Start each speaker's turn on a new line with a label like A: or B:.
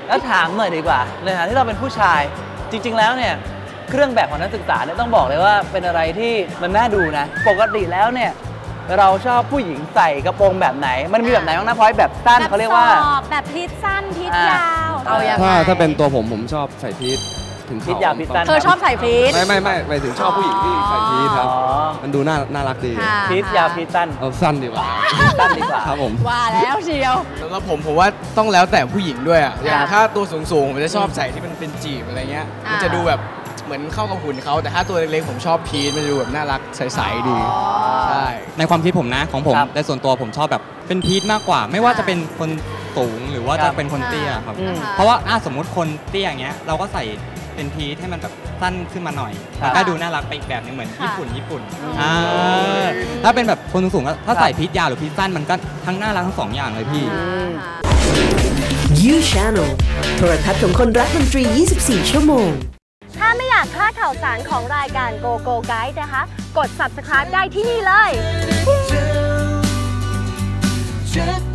A: แล้วถามหน่อยดีกว่าในฐานะที่เราเป็นผู้ชายจริงๆแล้วเนี่ยเครื่องแบบของนักศึกษาเนี่ยต้องบอกเลยว่าเป็นอะไรที่มันน่าดูนะปกติแล้วเนี่ยเราชอบผู้หญิงใส่กระโปรงแบบไหนมันมีแบบไหนบ้างนะพอยแบบสั้นเขาเรียกว่า
B: แบบพีทสั้นพีทยาว
C: ถ้าเป็นตัวผมชอบใส่พีทถึง
A: พีทยาวพีทสั้น
B: เธอชอบใส่พีท
C: ไม่หมายถึงชอบผู้หญิงที่ใส่พีทครับมันดูน่ารักดี
A: พีทยาวพีทสั้น
C: เอาสั้นดีกว่า
A: สั้นดีกว่า
C: ครับผม
B: ว่าแล้วเชียว
D: แล้วผมว่าต้องแล้วแต่ผู้หญิงด้วยอ่ะอย่างถ้าตัวสูงผมจะชอบใส่ที่มันเป็นจีบอะไรเงี้ยมันจะดูแบบเหมือนเข้ากับหุ่นเขาแต่ถ้าตัวเล็กๆผมชอบพีทมันจะดูแบบน่ารักใสๆดีใช่
E: ในความคิดผมนะของผมในส่วนตัวผมชอบแบบเป็นพีทมากกว่าไม่ว่าจะเป็นคนสูงหรือว่าจะเป็นคนเตี้ยครับเพราะว่าสมมุติคนเตี้ยอย่างเงี้ยเราก็ใส่เป็นพีทให้มันแบบสั้นขึ้นมาหน่อยมันก็ดูน่ารักไปอีกแบบนึงเหมือนญี่ปุ่นถ้าเป็นแบบคนสูงๆถ้าใส่พีทยาวหรือพีทสั้นมันก็ทั้งน่ารักทั้งสองอย่างเลยพี่
F: You Channel โทรทัศน์ของคนรักดนตรี 24 ชั่วโมง
B: ถ้าไม่อยากพลาดข่าวสารของรายการ Go Go Guide นะคะกด Subscribe ได้ที่นี่เลย